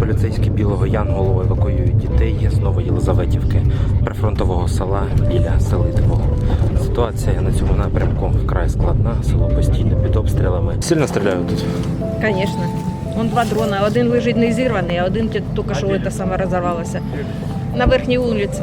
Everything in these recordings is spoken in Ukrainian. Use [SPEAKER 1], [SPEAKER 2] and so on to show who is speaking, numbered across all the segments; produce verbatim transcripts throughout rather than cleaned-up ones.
[SPEAKER 1] Поліцейські Білого Янголу евакуюють дітей з Новоєлизаветівки, прифронтового села біля Селитвого. Ситуація на цьому напрямку вкрай складна, село постійно під обстрілами. Сильно стріляють тут?
[SPEAKER 2] Звісно. Вон два дрона. Один лежить не зірваний, а один тільки що це саме розірвалося. На верхній вулиці.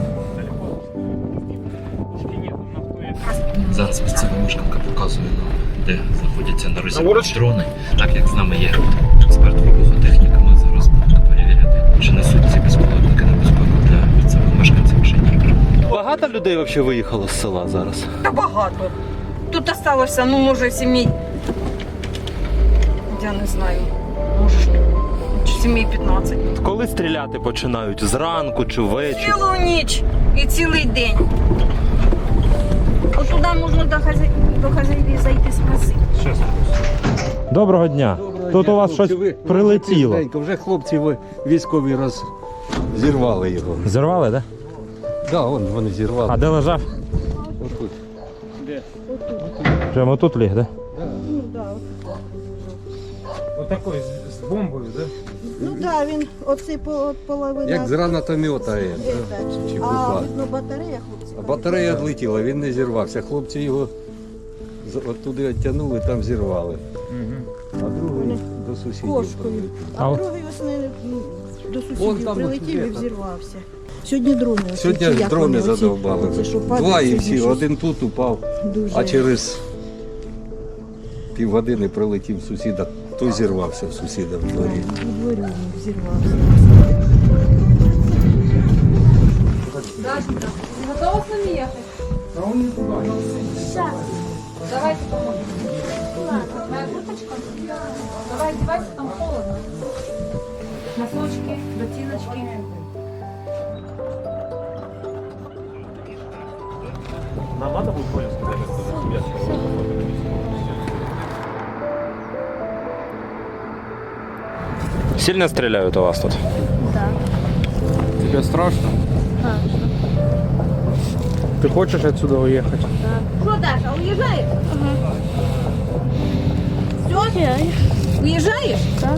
[SPEAKER 1] Зараз місцева мешканка показує нам, де знаходяться на розі дрони. Так як з нами є експерт вибухотехніка, ми зараз будемо перевіряти, чи несуть ці безпілотники небезпеку для місцевих мешканців чи ні. Багато людей взагалі виїхало з села зараз?
[SPEAKER 2] Та багато. Тут залишилося, ну, може, сімей, я не знаю, може, сімей п'ятнадцять.
[SPEAKER 1] Коли стріляти починають? Зранку чи ввечері?
[SPEAKER 2] Цілу ніч і цілий день. От туди можна до хазяїв, до хазяїв зайти спросити.
[SPEAKER 1] Доброго дня.
[SPEAKER 3] Доброго
[SPEAKER 1] Тут
[SPEAKER 3] дня,
[SPEAKER 1] у вас
[SPEAKER 3] хлопці.
[SPEAKER 1] щось
[SPEAKER 3] Ви-
[SPEAKER 1] прилетіло.
[SPEAKER 3] Тихенько, вже хлопці ви- військові роз... зірвали його.
[SPEAKER 1] Зірвали, так?
[SPEAKER 3] Так, да, вон вони зірвали.
[SPEAKER 1] А де лежав?
[SPEAKER 3] Отут.
[SPEAKER 1] Прямо тут ліг, так?
[SPEAKER 4] Отакой з, з бомбою, да?
[SPEAKER 5] Ну так, він оцей по- половина.
[SPEAKER 3] Як з гранатомета є,
[SPEAKER 5] Е,
[SPEAKER 3] да?
[SPEAKER 5] так.
[SPEAKER 3] чи
[SPEAKER 5] А
[SPEAKER 3] пуха.
[SPEAKER 5] видно, батарея, хлопці.
[SPEAKER 3] А батарея відлетіла, він не зірвався. Хлопці його з- оттуди відтягнули, там зірвали. А другий
[SPEAKER 5] Вони
[SPEAKER 3] до сусідів.
[SPEAKER 5] кошкою.
[SPEAKER 3] прилетів.
[SPEAKER 5] А
[SPEAKER 1] А-
[SPEAKER 5] другий весни ну, до
[SPEAKER 3] Вон
[SPEAKER 5] сусідів
[SPEAKER 3] там
[SPEAKER 5] прилетів
[SPEAKER 3] от
[SPEAKER 5] і
[SPEAKER 3] є.
[SPEAKER 5] взірвався. Сьогодні дрони. оці,
[SPEAKER 3] Сьогодні
[SPEAKER 5] чи як
[SPEAKER 3] дрони
[SPEAKER 5] вони, оці-
[SPEAKER 3] задовбали.
[SPEAKER 5] оці, що падають,
[SPEAKER 3] Два і
[SPEAKER 5] сьогодні
[SPEAKER 3] всі,
[SPEAKER 5] щось
[SPEAKER 3] один тут упав,
[SPEAKER 5] дуже.
[SPEAKER 3] а через півгодини прилетів сусіда, той зірвався в сусіда в дворі.
[SPEAKER 5] У дворі він взірвався.
[SPEAKER 6] Дашенька, ты готова с нами ехать? Давайте поможем. Моя курточка? Давай одевайся, там холодно. Носочки, ботиночки.
[SPEAKER 4] Нам надо будет Коле сказать, что за тебя
[SPEAKER 1] Сильно стріляють у вас тут?
[SPEAKER 4] Тебе страшно? Ты хочешь отсюда уехать?
[SPEAKER 2] Що, Даша, уїжджаєш? Все? Уїжджаєш? Так.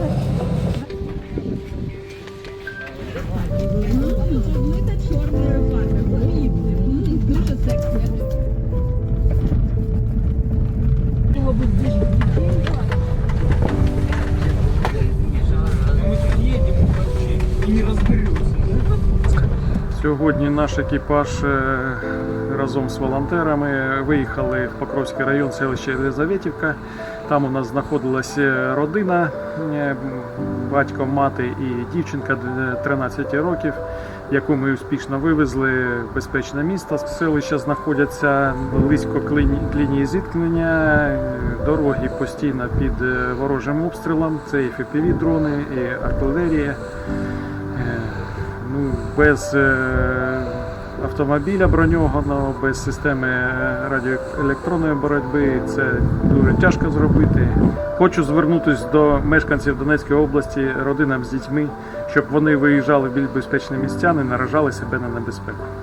[SPEAKER 4] Сьогодні наш екіпаж е, разом з волонтерами виїхали в Покровський район, селище Єлизаветівка. Там у нас знаходилася родина, е, батько, мати і дівчинка тринадцять років, яку ми успішно вивезли в безпечне місто. Селища знаходяться близько к лінії, к лінії зіткнення, дороги постійно під ворожим обстрілом, це і еф пі ві-дрони, і артилерія. Ну, без е, автомобіля броньованого, без системи радіоелектронної боротьби це дуже тяжко зробити. Хочу звернутися до мешканців Донецької області, родинам з дітьми, щоб вони виїжджали в більш безпечні місця, не наражали себе на небезпеку.